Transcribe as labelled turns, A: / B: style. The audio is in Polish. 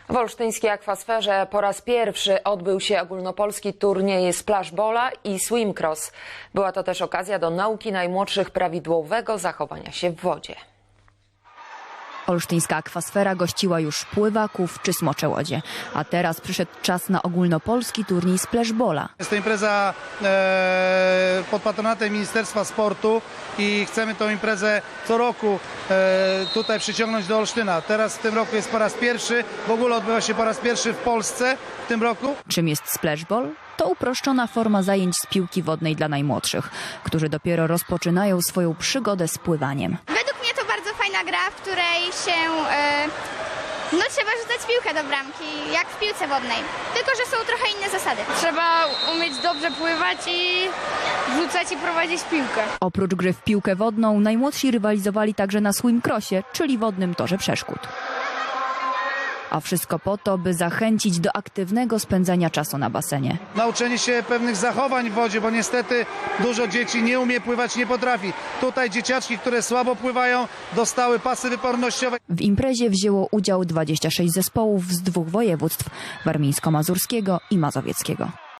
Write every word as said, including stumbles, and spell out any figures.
A: W olsztyńskiej akwasferze po raz pierwszy odbył się ogólnopolski turniej splashbola i swimcross. Była to też okazja do nauki najmłodszych prawidłowego zachowania się w wodzie.
B: Olsztyńska akwasfera gościła już pływaków czy smoczełodzie, a teraz przyszedł czas na ogólnopolski turniej splashbola.
C: Jest to impreza e, pod patronatem Ministerstwa Sportu i chcemy tę imprezę co roku e, tutaj przyciągnąć do Olsztyna. Teraz w tym roku jest po raz pierwszy, w ogóle odbywa się po raz pierwszy w Polsce w tym roku.
B: Czym jest splashball? To uproszczona forma zajęć z piłki wodnej dla najmłodszych, którzy dopiero rozpoczynają swoją przygodę z pływaniem.
D: Według mnie to bardzo fajna gra, w której się e, no, trzeba rzucać piłkę do bramki, jak w piłce wodnej. Tylko że są trochę inne zasady.
E: Trzeba umieć dobrze pływać i rzucać i prowadzić piłkę.
B: Oprócz gry w piłkę wodną, najmłodsi rywalizowali także na swimcrossie, czyli wodnym torze przeszkód. A wszystko po to, by zachęcić do aktywnego spędzania czasu na basenie.
C: Nauczenie się pewnych zachowań w wodzie, bo niestety dużo dzieci nie umie pływać, nie potrafi. Tutaj dzieciaczki, które słabo pływają, dostały pasy wypornościowe.
B: W imprezie wzięło udział dwadzieścia sześć zespołów z dwóch województw: warmińsko-mazurskiego i mazowieckiego.